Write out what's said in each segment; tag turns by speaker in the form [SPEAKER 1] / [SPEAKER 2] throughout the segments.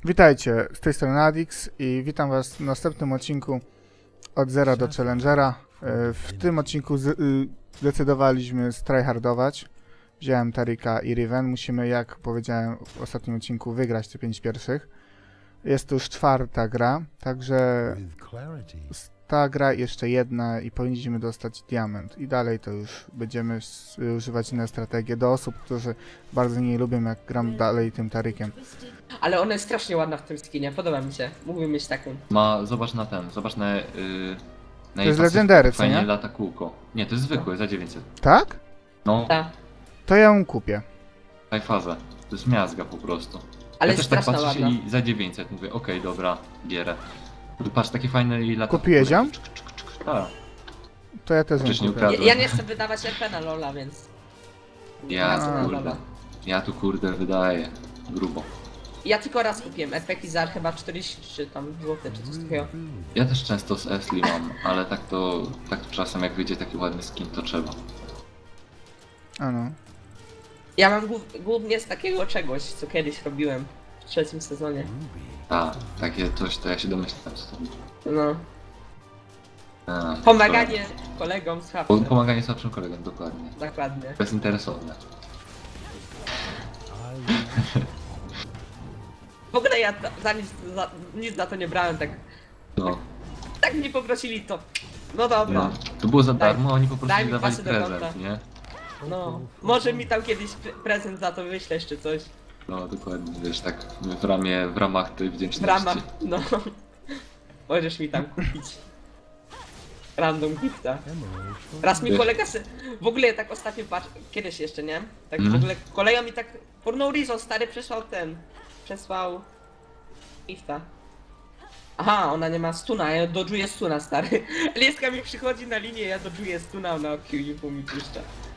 [SPEAKER 1] Witajcie, z tej strony Adix i witam was w następnym odcinku od Zera do Challengera. W tym odcinku zdecydowaliśmy tryhardować. Wziąłem Tarika i Riven. Musimy, jak powiedziałem w ostatnim odcinku, wygrać te 5 pierwszych. Jest to już 4. gra, także ta gra jeszcze jedna i powinniśmy dostać diament. I dalej to już będziemy używać inne strategie do osób, którzy bardzo nie lubią, jak gram dalej tym Tarikiem.
[SPEAKER 2] Ale ona jest strasznie ładna w tym skinie, podoba mi się. Mógłbym mieć taką.
[SPEAKER 3] Zobacz na ten, zobacz na
[SPEAKER 1] To jest legendary, co
[SPEAKER 3] fajnie
[SPEAKER 1] nie?
[SPEAKER 3] lata kółko. Nie, to jest zwykłe, za 900.
[SPEAKER 1] Tak?
[SPEAKER 3] No,
[SPEAKER 2] Ta.
[SPEAKER 1] To ja ją kupię.
[SPEAKER 3] taj faza. To jest miazga po prostu.
[SPEAKER 2] Ale
[SPEAKER 3] Ja
[SPEAKER 2] jest
[SPEAKER 3] też tak
[SPEAKER 2] straszna
[SPEAKER 3] patrzę
[SPEAKER 2] ładna.
[SPEAKER 3] i za 900 mówię, okej, dobra, bierę. Tu patrz, takie fajne i lata.
[SPEAKER 1] Kupiłeś ją?
[SPEAKER 3] Tak.
[SPEAKER 1] To ja też ją
[SPEAKER 3] Wcześniej
[SPEAKER 1] kupię.
[SPEAKER 3] ukradłem.
[SPEAKER 2] Ja nie chcę wydawać RP na Lola, więc...
[SPEAKER 3] Ja
[SPEAKER 2] Wracam na
[SPEAKER 3] tu kurde.
[SPEAKER 2] Lola.
[SPEAKER 3] Ja tu kurde wydaję. Grubo.
[SPEAKER 2] Ja tylko raz kupiłem RP za chyba 40 czy tam złote czy coś takiego.
[SPEAKER 3] Ja też często z Esli mam, ale tak to czasem jak wyjdzie taki ładny skin, to trzeba.
[SPEAKER 1] A no.
[SPEAKER 2] Ja mam głównie z takiego czegoś, co kiedyś robiłem w 3. sezonie.
[SPEAKER 3] Tak, takie coś, to ja się domyślam co to było.
[SPEAKER 2] No.
[SPEAKER 3] A,
[SPEAKER 2] Pomaganie kolegom z
[SPEAKER 3] to-
[SPEAKER 2] hapsem.
[SPEAKER 3] Pomaganie słabszym kolegom, dokładnie.
[SPEAKER 2] Dokładnie.
[SPEAKER 3] Bezinteresowne.
[SPEAKER 2] W ogóle ja nic za to nie brałem,
[SPEAKER 3] No.
[SPEAKER 2] tak mnie poprosili to. No dobra.
[SPEAKER 3] No, to było za
[SPEAKER 2] Daj-
[SPEAKER 3] darmo, oni po prostu
[SPEAKER 2] daj mi
[SPEAKER 3] dawali
[SPEAKER 2] pasy do
[SPEAKER 3] prezent,
[SPEAKER 2] konta.
[SPEAKER 3] nie?
[SPEAKER 2] No. Może mi tam kiedyś prezent za to wyślesz czy coś.
[SPEAKER 3] No dokładnie, wiesz, tak w ramach tej
[SPEAKER 2] W
[SPEAKER 3] wdzięczności.
[SPEAKER 2] ramach, no. Możesz mi tam kupić. Random gifta. Raz mi
[SPEAKER 3] Wiesz-
[SPEAKER 2] kolega w ogóle tak ostatnio kiedyś jeszcze, nie? Tak w
[SPEAKER 3] Mhm.
[SPEAKER 2] ogóle kolega mi tak for no reason stary przesłał gifta. Aha, ona nie ma stuna, ja dodżuję stuna stary. Lieska mi przychodzi na linię, ja dodżuję stuna, ona Q mi puszcza.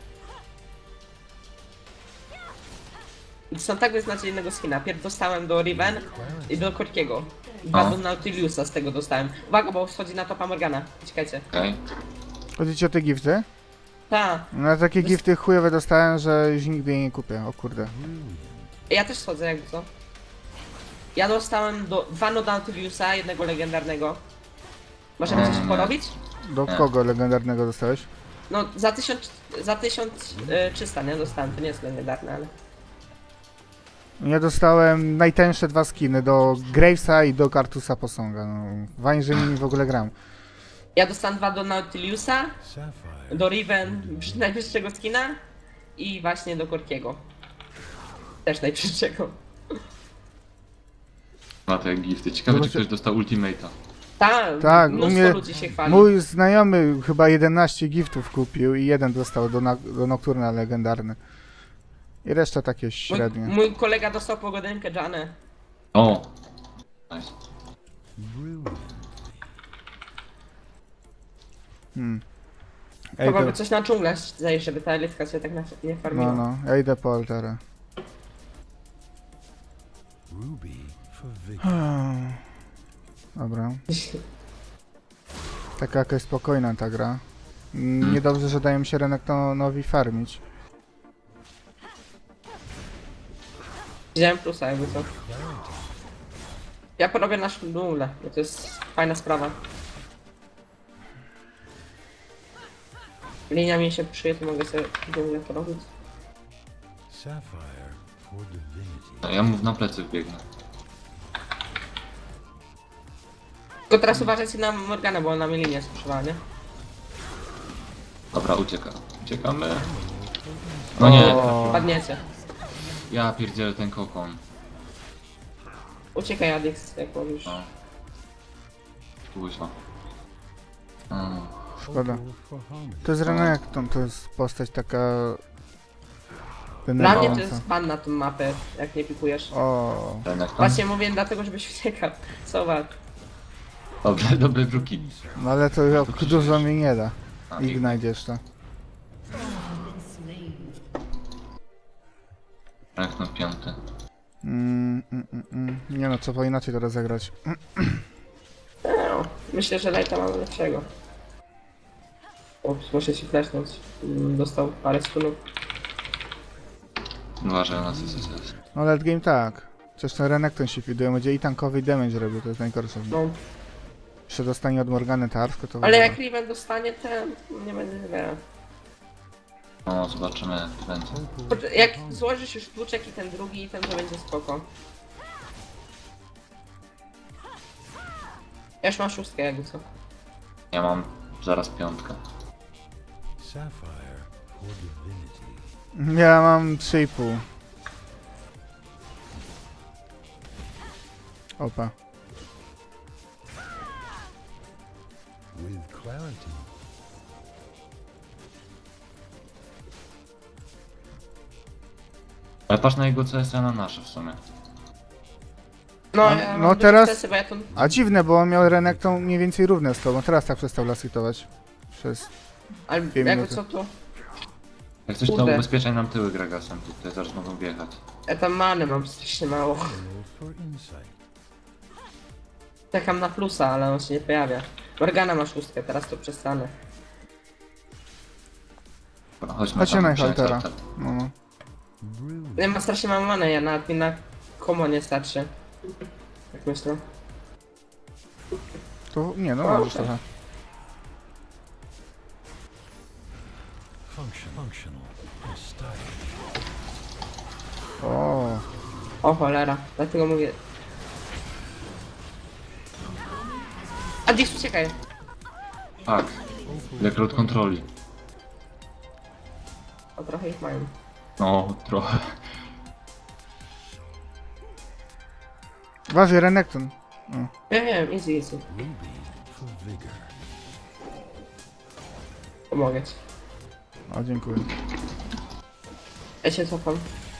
[SPEAKER 2] I są tak beznadziejnego skina. Pierw dostałem do Riven i do Korkiego. Dwa
[SPEAKER 3] O.
[SPEAKER 2] do Nautiliusa z tego dostałem. Uwaga, bo schodzi na topa Morgana. Czekajcie.
[SPEAKER 3] Okej.
[SPEAKER 1] Chodzicie o te gifty?
[SPEAKER 2] Ta.
[SPEAKER 1] No ja takie gifty chujowe dostałem, że już nigdy jej nie kupię. O kurde.
[SPEAKER 2] Ja też schodzę, jakby co. Ja dostałem dwa do Nautiliusa, jednego legendarnego. Możemy coś porobić?
[SPEAKER 1] Do kogo legendarnego dostałeś?
[SPEAKER 2] No, za 1300, nie? Dostałem, to nie jest legendarne, ale...
[SPEAKER 1] Ja dostałem najtańsze 2 skiny, do Gravesa i do Kartusa Posąga. No, fajnie, nimi w ogóle gram.
[SPEAKER 2] Ja dostałem dwa do Nautiliusa, do Riven najwyższego skina i właśnie do Korkiego. Też najwyższego.
[SPEAKER 3] Ma te gifty. Ciekawe, czy
[SPEAKER 1] Zobaczcie-
[SPEAKER 3] ktoś dostał ultimate'a.
[SPEAKER 1] Tak, u
[SPEAKER 2] mnóstwo
[SPEAKER 1] mnie
[SPEAKER 2] ludzi się chwali.
[SPEAKER 1] mój znajomy chyba 11 giftów kupił i jeden dostał do Nocturna legendarny. I reszta takie średnie.
[SPEAKER 2] Mój kolega dostał pogodynkę Janę.
[SPEAKER 3] O! Nice.
[SPEAKER 1] Ej,
[SPEAKER 2] Chyba
[SPEAKER 1] to,
[SPEAKER 2] by coś na dżunglę zajść, żeby ta elitka się tak nie farmiła.
[SPEAKER 1] no, ja idę po altarę. Dobra. Taka jakaś spokojna ta gra. Niedobrze, że dają się Renektonowi farmić.
[SPEAKER 2] Wziąłem plusa, jakby co. Ja porobię naszą dżunglę, bo to jest fajna sprawa. Linia mi się przyje, to mogę sobie dżunglę porobić.
[SPEAKER 3] No, ja mu na plecy wbiegnę.
[SPEAKER 2] Tylko teraz uważajcie na Morgana, bo ona mi linię sprzedała, nie?
[SPEAKER 3] Dobra, uciekamy. No nie,
[SPEAKER 1] O.
[SPEAKER 2] Padniecie.
[SPEAKER 3] ja pierdzielę ten kokon.
[SPEAKER 2] Uciekaj Adix, jak mówisz.
[SPEAKER 3] No. Kuźwa.
[SPEAKER 1] Szkoda. To jest Renekton, to jest postać taka...
[SPEAKER 2] Dla mnie to
[SPEAKER 1] denerwująca.
[SPEAKER 2] jest ban na tą mapę, jak nie pikujesz.
[SPEAKER 1] O.
[SPEAKER 2] Właśnie mówię dlatego, żebyś uciekał. Zobacz.
[SPEAKER 3] Dobrze, dobre druki.
[SPEAKER 1] No ale to dużo mi nie da.
[SPEAKER 3] A,
[SPEAKER 1] I znajdziesz to.
[SPEAKER 3] Rank na 5.
[SPEAKER 1] Nie no, trzeba inaczej teraz zagrać.
[SPEAKER 2] No, myślę, że Lighta mamy lepszego. O, muszę ci flashnąć. Dostał parę stunów.
[SPEAKER 3] Uważaj na SSS.
[SPEAKER 1] No late game tak. Przecież ten Renekton się fiduje, będzie i tankowy i damage robił, to jest najgorsze.
[SPEAKER 2] No.
[SPEAKER 1] Jeszcze dostanie od Morgany Tarsko, to w
[SPEAKER 2] Ale
[SPEAKER 1] ogóle.
[SPEAKER 2] jak Riven dostanie ten, nie będzie źle.
[SPEAKER 3] No, zobaczymy jak to będzie.
[SPEAKER 2] Jak złożysz już tłuczek i ten drugi, ten to będzie spoko. Ja już mam 6 jakby co.
[SPEAKER 3] Ja mam zaraz 5.
[SPEAKER 4] Sapphire for divinity.
[SPEAKER 1] Ja mam 3,5. Opa.
[SPEAKER 4] With clarity.
[SPEAKER 3] Ale patrz na jego CS, a na nasze w sumie.
[SPEAKER 2] No,
[SPEAKER 1] A,
[SPEAKER 2] ja mam
[SPEAKER 1] no
[SPEAKER 2] duże
[SPEAKER 1] teraz-
[SPEAKER 2] stresy, bo ja to...
[SPEAKER 1] A dziwne, bo on miał Renekton mniej więcej równe z tobą. Teraz tak przestał lasitować. Przez...
[SPEAKER 2] Ale
[SPEAKER 1] Dwie
[SPEAKER 2] jakby
[SPEAKER 1] minuty.
[SPEAKER 2] co tu?
[SPEAKER 3] Jak coś to
[SPEAKER 2] Kurde.
[SPEAKER 3] ubezpieczaj nam tyły Gragasem, tutaj zaraz mogą wjechać.
[SPEAKER 2] Ja tam many mam strasznie mało.
[SPEAKER 4] Roll for insight.
[SPEAKER 2] Czekam na plusa, ale on się nie pojawia. Morgana ma 6, teraz to przestanę.
[SPEAKER 3] Dobra, chodźmy
[SPEAKER 1] Chodźcie
[SPEAKER 3] tam,
[SPEAKER 1] na
[SPEAKER 3] przyjąć
[SPEAKER 1] Haltera.
[SPEAKER 3] altar.
[SPEAKER 1] No, no.
[SPEAKER 4] Brilliant.
[SPEAKER 2] Ja mam strasznie mało many, ja nawet mi na komo nie starczy. Jak myślę.
[SPEAKER 1] To nie, no
[SPEAKER 2] O,
[SPEAKER 1] możesz
[SPEAKER 2] tak.
[SPEAKER 1] trochę.
[SPEAKER 4] Functional. And stylish.
[SPEAKER 1] O,
[SPEAKER 2] O cholera, dlatego mówię. Adix, uciekaj.
[SPEAKER 3] Tak, ile crowd kontroli.
[SPEAKER 2] O, trochę ich mają.
[SPEAKER 3] No, trochę.
[SPEAKER 1] uważaj, Renekton. O.
[SPEAKER 2] Ja wiem, easy.
[SPEAKER 4] Ruby for vigor.
[SPEAKER 2] Pomogę ci.
[SPEAKER 1] O, dziękuję.
[SPEAKER 2] Ja się cofam.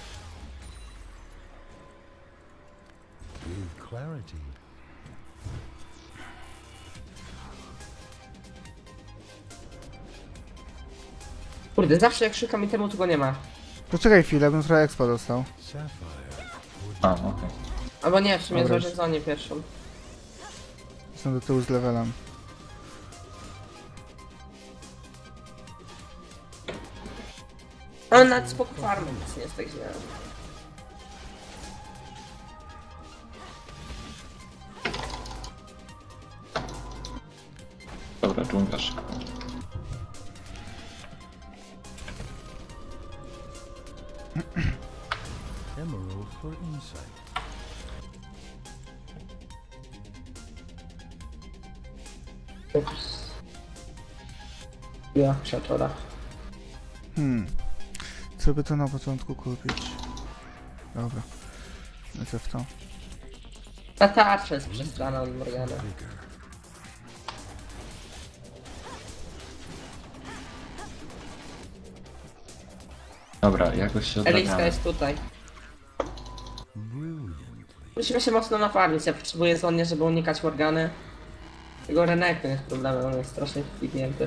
[SPEAKER 4] With clarity.
[SPEAKER 2] Kurde, zawsze jak szukam itemu, tu go nie ma.
[SPEAKER 1] Poczekaj chwilę, bym trochę expa dostał.
[SPEAKER 4] Sapphire
[SPEAKER 3] A, okej.
[SPEAKER 2] Albo nie, w sumie
[SPEAKER 1] Dobra.
[SPEAKER 2] złożę zonie pierwszą.
[SPEAKER 1] Jestem do tyłu z levelem.
[SPEAKER 2] Ale nawet spoko farmy, nic nie jest tak źle.
[SPEAKER 3] Dobra, dżungla szybko.
[SPEAKER 4] emerald for insight.
[SPEAKER 2] Ups. Ja, krzaczora.
[SPEAKER 1] Co by to na początku kupić? Dobra. Lecę w to.
[SPEAKER 2] Ta tarcza jest przestrana od Morgana.
[SPEAKER 4] Vigor.
[SPEAKER 3] Dobra, jakoś się
[SPEAKER 2] Eliska
[SPEAKER 3] odrabiamy.
[SPEAKER 2] jest tutaj.
[SPEAKER 4] Brilliantly.
[SPEAKER 2] Musimy się mocno nafarmić, ja potrzebuję zonie, żeby unikać Morgany. Tego Renekton jest problemem, on jest strasznie wpignięty.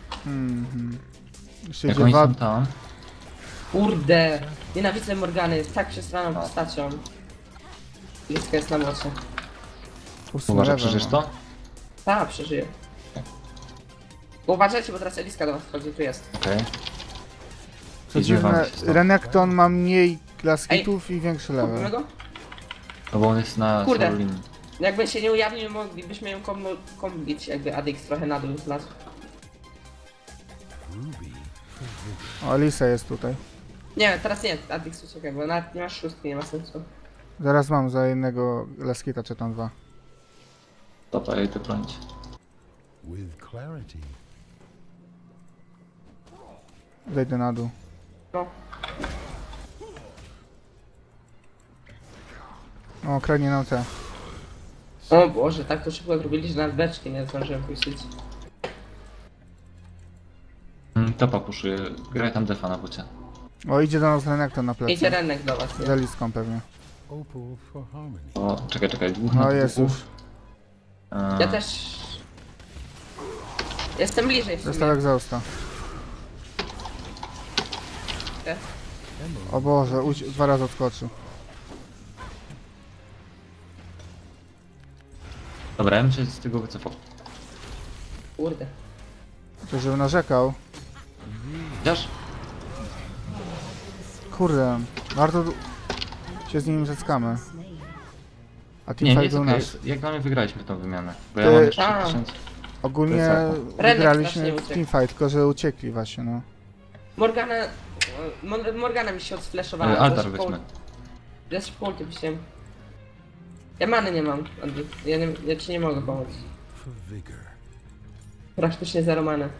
[SPEAKER 1] Jeszcze
[SPEAKER 3] Jak
[SPEAKER 1] idzie
[SPEAKER 3] oni
[SPEAKER 1] wad...
[SPEAKER 3] są tam,
[SPEAKER 2] Kurde! Nienawidzę Morgany, jest tak przestraną postacią. Eliska jest na mocy.
[SPEAKER 3] uważaj, przeżyjesz to?
[SPEAKER 2] Tak, przeżyję. Uważajcie, bo teraz Eliska do was wchodzi, tu jest.
[SPEAKER 3] Okej.
[SPEAKER 1] Co
[SPEAKER 3] Idzie wam
[SPEAKER 1] dziwne,
[SPEAKER 3] się stąd.
[SPEAKER 1] Renekton ma mniej glaskitów i większy
[SPEAKER 2] Kupimy
[SPEAKER 1] level.
[SPEAKER 2] go?
[SPEAKER 3] No bo on jest na
[SPEAKER 2] Kurde.
[SPEAKER 3] solo linii.
[SPEAKER 2] Jakby się nie ujawnił, moglibyśmy ją kombić, jakby Adix trochę na dół zlazł.
[SPEAKER 4] Ruby for vigor.
[SPEAKER 1] O, Elisa jest tutaj.
[SPEAKER 2] Nie, teraz nie, Adix uciekaj, bo nawet nie masz 6, nie ma sensu.
[SPEAKER 1] Zaraz mam za jednego glaskita, czy tam 2.
[SPEAKER 3] Dobra, ja idę bronić.
[SPEAKER 4] With clarity.
[SPEAKER 1] Zejdę na dół.
[SPEAKER 2] No,
[SPEAKER 1] O, kradnie nam te.
[SPEAKER 2] o Boże, tak to szybko zrobili, że nawet beczki nie zdążyłem puścić.
[SPEAKER 3] Topa puszuje, graj tam defa na bocie.
[SPEAKER 1] O, idzie do nas Renekton na
[SPEAKER 2] Idzie
[SPEAKER 1] plecy.
[SPEAKER 2] Renek do was,
[SPEAKER 1] Z
[SPEAKER 2] nie?
[SPEAKER 1] Eliską pewnie.
[SPEAKER 4] Opal for harmony.
[SPEAKER 3] O, czekaj, dwóch
[SPEAKER 1] No
[SPEAKER 3] na
[SPEAKER 1] jest
[SPEAKER 3] dwóch.
[SPEAKER 1] już.
[SPEAKER 2] Ja też... Jestem bliżej w
[SPEAKER 1] Dostał
[SPEAKER 2] sumie.
[SPEAKER 1] egzausta.
[SPEAKER 4] Emerald.
[SPEAKER 1] O Boże, 2 razy odskoczył.
[SPEAKER 3] Dobra, ja bym się z tego wycofał.
[SPEAKER 2] Kurde.
[SPEAKER 1] To żeby narzekał.
[SPEAKER 3] Chociaż?
[SPEAKER 1] Kurde, warto się z nim zetkamy.
[SPEAKER 5] Slain.
[SPEAKER 1] A
[SPEAKER 3] Nie, nie
[SPEAKER 1] teamfight
[SPEAKER 3] jest
[SPEAKER 1] był
[SPEAKER 3] okej.
[SPEAKER 1] nasz.
[SPEAKER 3] Jak dla mnie wygraliśmy tą wymianę. Bo
[SPEAKER 1] Ty-
[SPEAKER 3] ja mam jeszcze
[SPEAKER 2] A.
[SPEAKER 3] 1000.
[SPEAKER 1] Ogólnie
[SPEAKER 3] Plecaku.
[SPEAKER 2] Renek
[SPEAKER 1] wygraliśmy
[SPEAKER 2] strasznie uciekł.
[SPEAKER 1] teamfight, tylko że uciekli właśnie, no.
[SPEAKER 2] Morgana... Morgana mi się odfleszowała.
[SPEAKER 3] Altar
[SPEAKER 2] Za szybko-
[SPEAKER 3] weźmy.
[SPEAKER 2] Ja szybko ulti wziąłem. Ja many nie mam, Andy. Ja ci nie mogę pomóc.
[SPEAKER 4] For vigor.
[SPEAKER 2] Praktycznie zero many.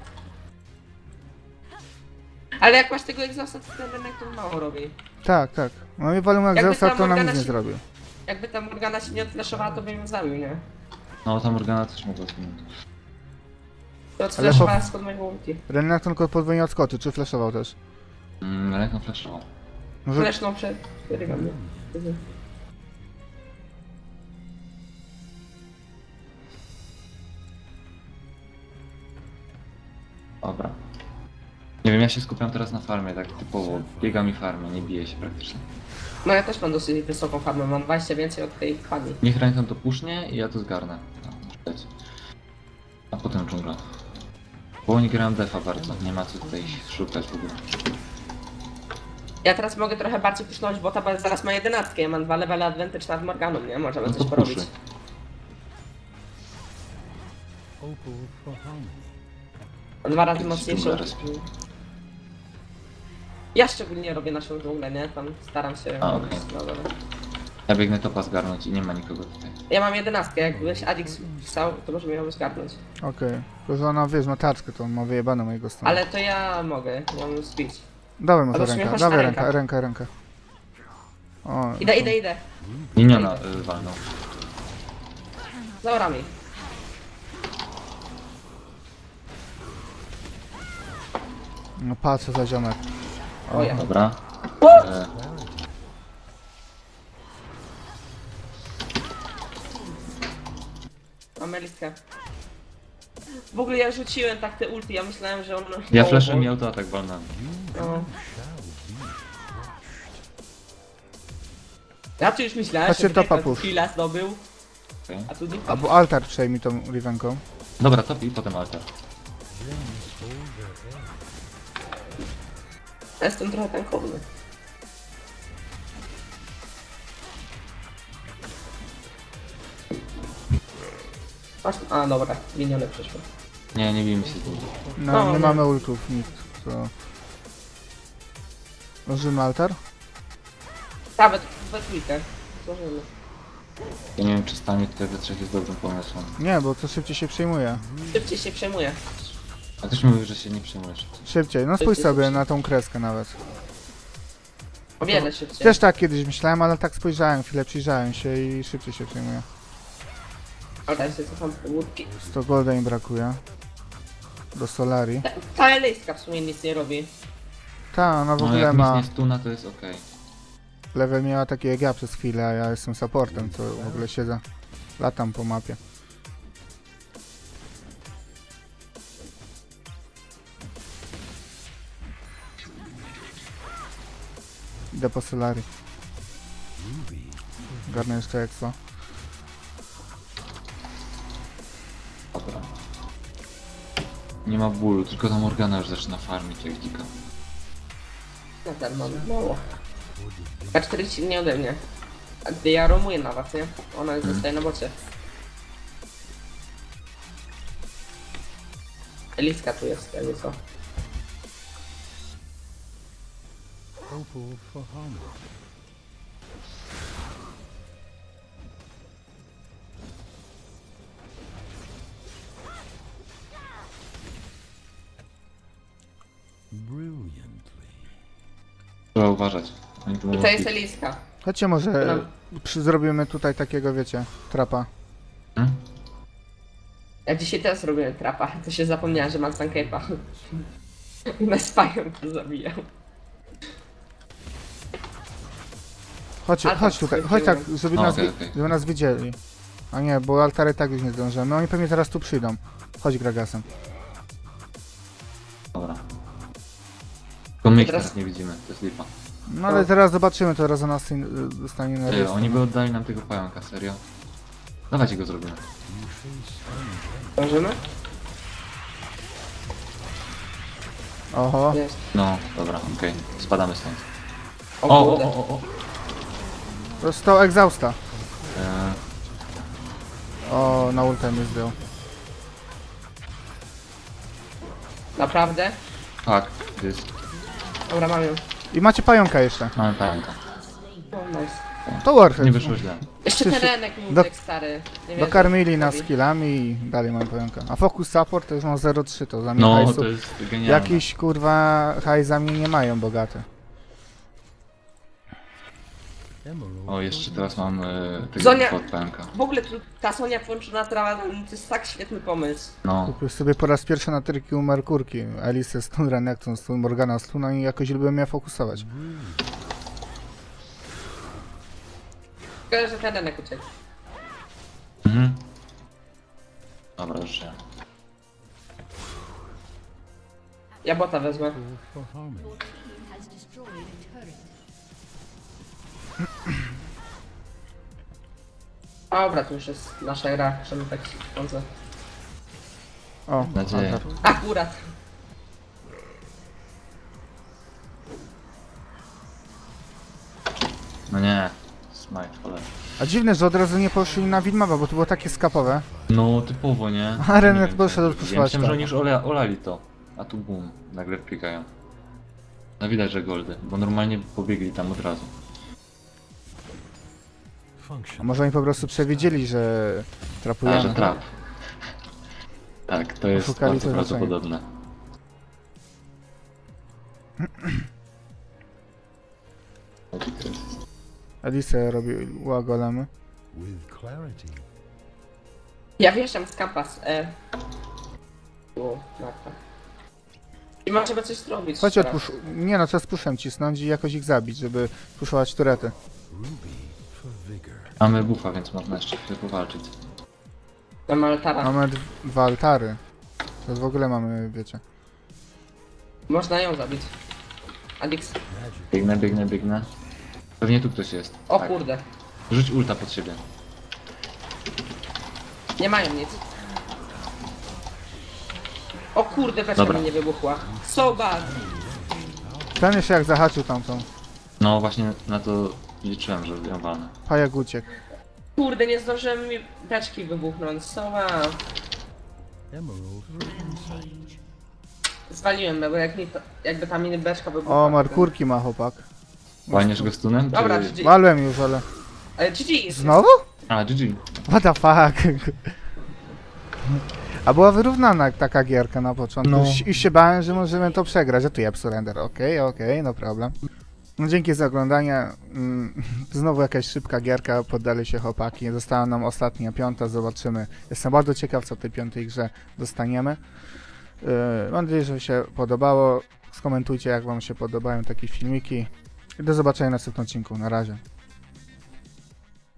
[SPEAKER 2] Ale jak masz tego egzausta, to ten Renek to mało robi.
[SPEAKER 1] Tak, tak. No i walą jak
[SPEAKER 2] Jakby
[SPEAKER 1] Zeusa,
[SPEAKER 2] ta
[SPEAKER 1] to nam
[SPEAKER 2] Morgana
[SPEAKER 1] nic nie
[SPEAKER 2] się-
[SPEAKER 1] zrobił.
[SPEAKER 2] Jakby ta Morgana się nie odfleszowała, to bym ją zabił, nie?
[SPEAKER 3] No ta Morgana też mogła zginąć.
[SPEAKER 2] To odfleszowała
[SPEAKER 1] po-
[SPEAKER 2] spod mojego ulti.
[SPEAKER 1] Renekton tylko podwójnie odskoczy, czy flashował też?
[SPEAKER 3] Ręką flashował.
[SPEAKER 1] Może...
[SPEAKER 2] Fleszną przed rygami.
[SPEAKER 3] Dobra. Nie wiem, ja się skupiam teraz na farmie, tak typowo. Biegam i farmie, nie biję się praktycznie.
[SPEAKER 2] No ja też mam dosyć wysoką farmę, mam 20 więcej od tej pani.
[SPEAKER 3] Niech ręką to pusznie i ja to zgarnę. No, muszę dać. A potem dżungla. Bo oni grają defa bardzo, nie ma co tutaj szukać w ogóle.
[SPEAKER 2] Ja teraz mogę trochę bardziej pusznąć, bo ta zaraz ma 11, ja mam 2 levele advantage nad Morganą, nie? Możemy
[SPEAKER 3] No
[SPEAKER 2] coś
[SPEAKER 3] to
[SPEAKER 2] porobić.
[SPEAKER 3] puszy.
[SPEAKER 4] Opal for harmony.
[SPEAKER 2] Mam 2 razy
[SPEAKER 3] Jakiś
[SPEAKER 2] mocniejszą.
[SPEAKER 3] dżungla respi.
[SPEAKER 2] Ja szczególnie robię naszą dżunglę, nie? Tam staram się.
[SPEAKER 3] A, okej.
[SPEAKER 2] No, dobra.
[SPEAKER 3] Ja biegnę topa zgarnąć i nie ma nikogo tutaj.
[SPEAKER 2] Ja mam 11, jakbyś Adix wstał, to możemy ją zgarnąć.
[SPEAKER 1] Okej. Tylko, że ona, wiesz, ma taczkę, to on ma wyjebane mojego strony.
[SPEAKER 2] Ale to ja mogę, mam speech.
[SPEAKER 1] Dawaj mu
[SPEAKER 2] Albo
[SPEAKER 1] tę rękę,
[SPEAKER 2] śmiechasz
[SPEAKER 1] dawaj
[SPEAKER 2] na
[SPEAKER 1] rękę,
[SPEAKER 2] rękach.
[SPEAKER 1] rękę. O,
[SPEAKER 2] Idę.
[SPEAKER 3] Miniona walnął.
[SPEAKER 2] Za orami.
[SPEAKER 1] no patrzę za ziomek.
[SPEAKER 2] O ja.
[SPEAKER 3] Dobra.
[SPEAKER 2] Mam elitkę. W ogóle ja rzuciłem tak te ulti, ja myślałem, że on...
[SPEAKER 3] Ja
[SPEAKER 2] o,
[SPEAKER 3] flashem
[SPEAKER 2] o,
[SPEAKER 3] i autoatak walnąłem.
[SPEAKER 2] No. Ja tu już myślałem,
[SPEAKER 1] Chodźcie
[SPEAKER 2] że
[SPEAKER 1] topa
[SPEAKER 2] Drake
[SPEAKER 1] push.
[SPEAKER 2] chwila zdobył,
[SPEAKER 3] Okay.
[SPEAKER 2] a tu nie.
[SPEAKER 1] Albo altar przejmij tą Rivenką.
[SPEAKER 3] Dobra, top i potem altar.
[SPEAKER 2] Ja jestem trochę tankowny. Masz... A dobra, minione przyszło.
[SPEAKER 3] Nie bijmy się z nim.
[SPEAKER 1] No,
[SPEAKER 2] No,
[SPEAKER 1] nie
[SPEAKER 2] no.
[SPEAKER 1] mamy ultów, nikt. To... Użyjmy altar?
[SPEAKER 2] Nawet we trójkę. Złożymy.
[SPEAKER 3] Ja nie wiem, czy stanie tutaj we trzech jest dobrym pomysłem.
[SPEAKER 1] Nie, bo to szybciej się przejmuje.
[SPEAKER 2] Szybciej się przejmuje.
[SPEAKER 3] A też mówisz, że się nie przejmujesz.
[SPEAKER 1] Szybciej, no spójrz sobie na tą kreskę nawet.
[SPEAKER 2] O wiele szybciej.
[SPEAKER 1] Też tak kiedyś myślałem, ale tak spojrzałem, chwilę przyjrzałem się i szybciej się przejmuje.
[SPEAKER 2] Ale ja się cofam do łódki.
[SPEAKER 1] 100 golda im brakuje. Do Solari.
[SPEAKER 2] Ta elejska w sumie nic nie robi.
[SPEAKER 1] Ta, ona w
[SPEAKER 3] No
[SPEAKER 1] ogóle
[SPEAKER 3] jak
[SPEAKER 1] ma...
[SPEAKER 3] nic nie stuna, to jest okej.
[SPEAKER 1] Level miała takie jak ja przez chwilę, a ja jestem supportem, to w ogóle siedzę. Latam po mapie. Idę po Solari. Garnę jeszcze expo.
[SPEAKER 3] Dobra. Nie ma bólu, tylko ta Morgana już zaczyna farmić jak dzika.
[SPEAKER 2] No ten mam mało. A 40 nie ode mnie. A gdy ja romuję na was, nie? Ona zostaje na bocie. Eliska tu jest, jakby co.
[SPEAKER 4] Opal for harmony. Brilliantly.
[SPEAKER 3] Trzeba uważać. Oni tu
[SPEAKER 2] I
[SPEAKER 3] mogą
[SPEAKER 2] to jest
[SPEAKER 3] pić.
[SPEAKER 2] Eliska.
[SPEAKER 1] Chodźcie może zrobimy tutaj takiego, wiecie, trapa.
[SPEAKER 3] Hmm?
[SPEAKER 2] Ja dzisiaj też robiłem trapa, to się zapomniałem, że mam Suncape'a. I na spajem to zabijał.
[SPEAKER 1] Chodźcie,
[SPEAKER 2] Altar
[SPEAKER 1] chodź tutaj, chodź tak, żeby,
[SPEAKER 3] No,
[SPEAKER 1] nas,
[SPEAKER 3] okej, okej.
[SPEAKER 1] żeby nas widzieli. A nie, bo altary tak już nie zdążymy. Oni pewnie teraz tu przyjdą. Chodź Gragasem.
[SPEAKER 3] Dobra. Tylko my ich
[SPEAKER 2] Teraz-
[SPEAKER 3] teraz nie widzimy, to jest lipa.
[SPEAKER 1] No ale teraz zobaczymy, to raz nas dostanie na rys.
[SPEAKER 3] Oni by oddali nam tego pająka, serio? Dawajcie go zrobimy.
[SPEAKER 2] Dążymy?
[SPEAKER 1] Oho,
[SPEAKER 2] Jest.
[SPEAKER 3] No, dobra, okej. Spadamy stąd.
[SPEAKER 2] O
[SPEAKER 3] O, o,
[SPEAKER 2] kurde.
[SPEAKER 3] o, o, o.
[SPEAKER 1] dostał exhausta. O, na ulta mnie zdjął.
[SPEAKER 2] Naprawdę?
[SPEAKER 3] Tak, jest.
[SPEAKER 2] Dobra, mam ją.
[SPEAKER 1] I macie pająka jeszcze.
[SPEAKER 3] Mamy pająka.
[SPEAKER 2] O, nice.
[SPEAKER 1] To Warhead.
[SPEAKER 3] Nie wyszło źle.
[SPEAKER 2] Jeszcze
[SPEAKER 1] Wszyscy-
[SPEAKER 2] terenek mi
[SPEAKER 1] do-
[SPEAKER 2] uciekł, stary. Nie wiem,
[SPEAKER 1] Dokarmili
[SPEAKER 2] co
[SPEAKER 1] nas
[SPEAKER 2] robi.
[SPEAKER 1] skillami i dalej mamy pająka. A Focus Support to już mam 0,3, to za mnie
[SPEAKER 3] No,
[SPEAKER 1] hajsu.
[SPEAKER 3] to jest genialne.
[SPEAKER 1] Jakiś kurwa hajs za mnie nie mają bogate.
[SPEAKER 4] Emerald
[SPEAKER 3] O, jeszcze teraz mam tego
[SPEAKER 2] Zonia-
[SPEAKER 3] od pająka.
[SPEAKER 2] W ogóle tu, ta Sonia włączona trawa to jest tak świetny pomysł.
[SPEAKER 3] No,
[SPEAKER 1] Kupił sobie po raz pierwszy na tyrki u Merkurki. Alice stun, Renekton stun, Morgana stun, no i jakoś lubię mnie fokusować.
[SPEAKER 2] Tylko, że terenek uciekł.
[SPEAKER 3] mhm. Dobra, już się.
[SPEAKER 2] Ja bota wezmę.
[SPEAKER 4] Opal for harmony.
[SPEAKER 5] has destroyed a turret.
[SPEAKER 2] Dobra, to już jest nasza gra, możemy tak sądzę.
[SPEAKER 1] O,
[SPEAKER 3] Nadzieję.
[SPEAKER 1] Altar.
[SPEAKER 2] Akurat.
[SPEAKER 3] No nie. Smite, cholera.
[SPEAKER 1] A dziwne, że od razu nie poszli na Widmawa, bo to było takie skapowe.
[SPEAKER 3] No, typowo, nie?
[SPEAKER 1] A Renet
[SPEAKER 3] Nie wiem,
[SPEAKER 1] poszedł
[SPEAKER 3] co-
[SPEAKER 1] odpuszczać
[SPEAKER 3] Ja myślałem, że
[SPEAKER 1] tak.
[SPEAKER 3] oni już olali to. A tu boom, nagle wpiegają. No widać, że goldy, bo normalnie pobiegli tam od razu.
[SPEAKER 1] A
[SPEAKER 4] Function.
[SPEAKER 1] może oni po prostu przewidzieli, że
[SPEAKER 3] A,
[SPEAKER 1] trapujemy.
[SPEAKER 3] że trap. Tak, to jest
[SPEAKER 1] Oszukali
[SPEAKER 3] bardzo
[SPEAKER 1] to
[SPEAKER 3] prawdopodobne.
[SPEAKER 1] Alice robiła golemy.
[SPEAKER 4] With clarity.
[SPEAKER 2] Ja wjeżdżam z kampas. O, Marta. I ma trzeba coś zrobić.
[SPEAKER 1] Chodź
[SPEAKER 2] teraz.
[SPEAKER 1] odpusz... Nie no, trzeba z puszem cisnąć i jakoś ich zabić, żeby puszować turety.
[SPEAKER 4] Ruby for vigor.
[SPEAKER 3] Mamy buffa, więc można jeszcze chwilę powalczyć.
[SPEAKER 2] Mam altara.
[SPEAKER 1] Mamy dwa altary. To w ogóle mamy, wiecie.
[SPEAKER 2] Można ją zabić. Adix.
[SPEAKER 4] Magic.
[SPEAKER 3] Biegnę. Pewnie tu ktoś jest.
[SPEAKER 2] O
[SPEAKER 3] Tak.
[SPEAKER 2] kurde.
[SPEAKER 3] Rzuć ulta pod siebie.
[SPEAKER 2] Nie mają nic. O kurde, beczka
[SPEAKER 3] Dobra.
[SPEAKER 2] mi nie wybuchła. So bad.
[SPEAKER 1] Ten jeszcze jak zahaczył tamtą.
[SPEAKER 3] No właśnie na to liczyłem, że ją walnę.
[SPEAKER 1] Pajak uciekł.
[SPEAKER 2] Kurde, nie zdążyłem mi beczki wybuchnąć. So bad.
[SPEAKER 4] Emerald for insight.
[SPEAKER 2] Zwaliłem, bo jak mi to, jakby ta mini beczka wybuchła.
[SPEAKER 1] O, Merkurki ma chłopak.
[SPEAKER 3] Walniesz go stunem?
[SPEAKER 2] Dobra,
[SPEAKER 3] czy...
[SPEAKER 2] GG.
[SPEAKER 1] Walłem już, ale...
[SPEAKER 2] Ale GG.
[SPEAKER 1] Znowu?
[SPEAKER 3] A, GG.
[SPEAKER 1] What the fuck? A była wyrównana taka gierka na początku.
[SPEAKER 3] No.
[SPEAKER 1] I się bałem, że możemy to przegrać. A tu ja surrender. Okej, no problem. No dzięki za oglądanie. Znowu jakaś szybka gierka, poddali się chłopaki. Została nam ostatnia, piąta, zobaczymy. Jestem bardzo ciekaw, co w tej piątej grze dostaniemy. Mam nadzieję, że się podobało. Skomentujcie, jak wam się podobają takie filmiki. I do zobaczenia w następnym odcinku. Na razie.